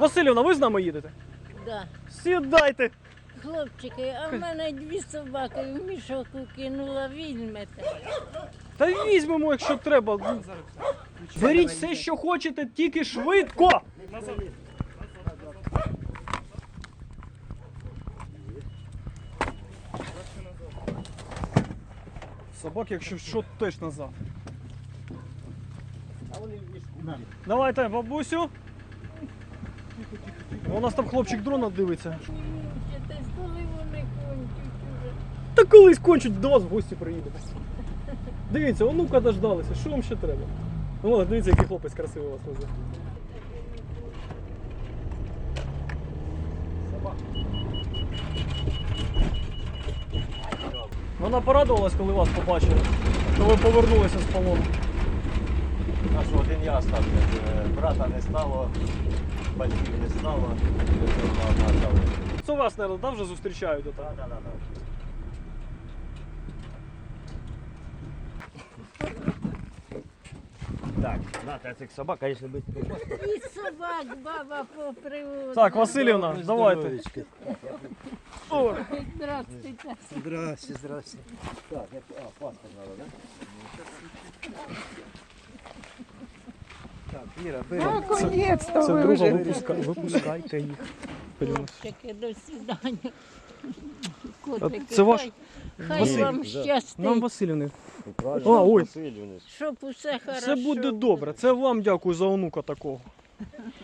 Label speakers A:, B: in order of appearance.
A: Василівна, ви з нами їдете?
B: Да.
A: Сідайте.
B: Хлопчики, а в мене 2 собаки в мішок кинула, візьмете.
A: Та візьмемо, якщо треба. Беріть все, що хочете, тільки швидко. Собак, якщо що, теж назад. Давайте, бабусю. У нас там хлопчик дрона дивиться.
B: Десь коли вони кончать уже.
A: Та колись кончуть, до вас в гості приїдемо. Дивіться, онука дождалися, що вам ще треба? О, дивіться, який хлопець красивий вас везе. Вона порадувалась, коли вас побачила, що ви повернулися з полону.
C: Наш один я став, брата не стало, батьків не стало,
A: Це вас, мабуть, вже зустрічають отак?
C: Так. Так, на цих собак, звісно, без
B: І собак баба поприводила.
A: Так, Василівна, давайте. О,
B: Здравствуйте.
C: Здрасте. Так, паспорт треба, так? Так, Іра, бери.
D: Наконец-то
A: це
D: ви
A: друга,
D: вже.
A: випускайте їх.
B: Хлопчики, до свидання. Котики,
A: Це ваш
B: хай
A: Василь.
B: вам
A: Нам
B: щастить,
A: Василівни.
C: Правильно,
A: ой.
C: Васильівни.
B: щоб усе хорошо.
A: Це буде добре. Це вам дякую за онука такого.